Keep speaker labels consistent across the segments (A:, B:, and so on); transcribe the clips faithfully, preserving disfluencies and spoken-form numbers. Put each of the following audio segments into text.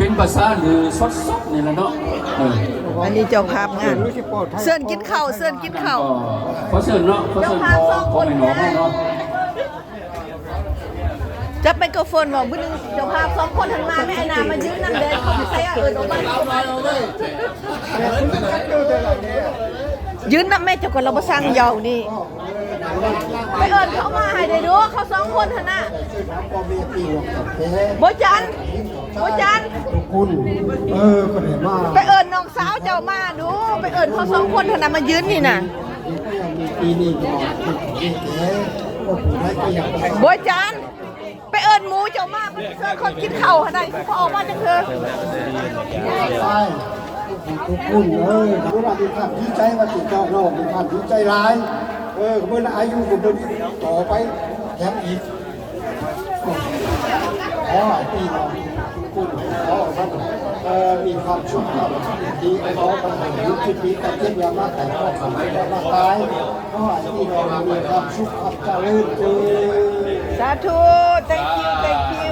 A: เป็นภาษาหรือสดๆนี่แหละเนาะ
B: อันนี้เจ้าภาพงานเสิร์นกินข้าวเสิร์นกินข้าว
A: ขอเชิญเนาะขอเชิญพอพอไม่หนอให้เนาะ
B: จับไมโครโฟนบอกบึ้งเจ้าภาพสองคนหันมาแม่ไอ้นามายืนนั่งเดินเขาไม่ใช่เออลงมายืนนั่งแม่เจ้าคนเราบ่สั่งยาวนี่ไปเอิญเขามาให้ได้ดูเขาสองคนหันน่ะโบจันโบจัน
C: คุณเออก็ได้มา
B: ไปเอิญน้องสาวเจ้ามาดูไปเอิญเขาสองคนหันน่ะมายืนนี่น่ะ
C: ปีนี้ก็ติดเก๋ก็ผู้ใดก็อยากไป
B: โบจันไปเอิญหมูเจ้ามาเป็นเสื้อคนกินข้าวหันได้เขาออกมาจังเถอะ
C: ใช่ทุกคุณเออเวลามีความดีใจว่าติดเจ้าน้องมีความดีใจร้ายเออเมื่ออายุผมเป็นต่อไปแถมอีกขอปีน้องคุณขอท่านเออมีความชุกข์ดีขอปัญหายุติปีกับเทียบยามาแต่ก็ทำให้ได้มาตายขอปีน้องมีความชุกข์ความเจริญเจริญ
B: สาธุ thank you thank you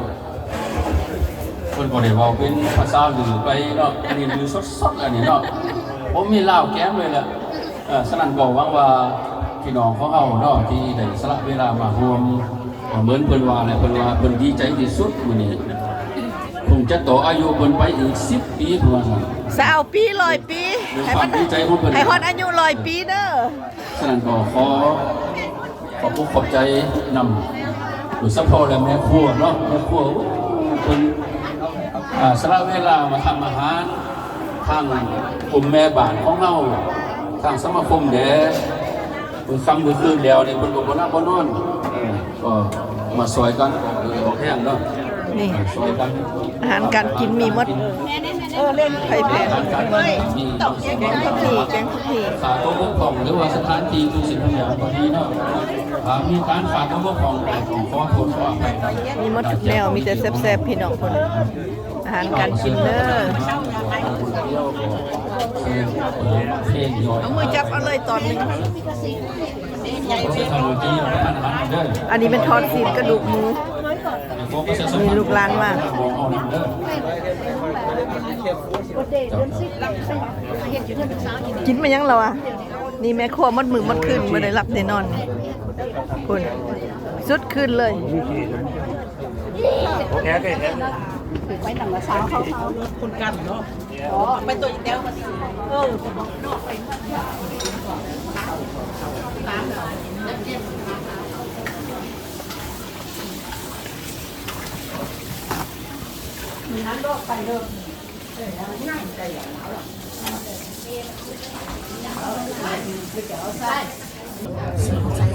A: คนก็ได้ว่าเป็นภาษาหรือไปเนาะอันนี้หรือสดๆอันนี้เนาะผมมีเล่าแก้มเลยแหละสนั่นบอกว่าว่าพี่น้องของเขาเนาะที่ได้สละเวลามารวมเหมือนเพิ่นว่าอะไรเพิ่นว่าเพิ่นดีใจที่สุดมื้อนี้คงจะต่ออายุเพิ่นไปอีกสิบปีเพิ่นว่า
B: สาวปีร้อยปีให้มันให้ฮอดอายุร้อยปีเด้อ
A: สนั่นก็ขอขอบคุณขอบใจนำหรือซัพพอร์ตและแม่ครัวเนาะแม่ครัวเพิ่นสละเวลามาทำอาหารทางกลุ่มแม่บ้านของเราทางสมาคมเด้มือคำมือคืนแล้วเนี่ยคนบอกว่าน่าบ่นอนก็มาซอยกันออกแห้งเนาะ
B: นี่
A: ซอยกัน
B: อาหารการกินมีหมดเออเล่นไข่แพงมีตกแกงทุกทีแกงทุกที
A: ขาดตัวบกพร่องหรือว่าสถานที่ทุกสิ่งทุกอย่างพอดีเนาะมีการขาดตัวบกพร่องของขอผลขอไป
B: มีหมดทุกแนวมีแต่แซ่บๆพี่น้องคนอาหารการกินเด้อเอามือจับเอาเลยตอนนึงอันนี้เป็นทอดซีนกระดูกหมูมีลูกหลานมากกินมายังเราอ่ะนี่แม่ครัวมัดมือมัดขึ้นมาได้รับได้นอนคุณสุดขึ้นเลย
D: โอเคโอเคไปหนังละสาวเขาเขาคนกันเนาะอ๋อไปตัวอีเดียวมาสิเออมีน้ำดอกไปเริ่มเออง่ายใจอย่างเขาหรอกไม่เกี่ยวใช่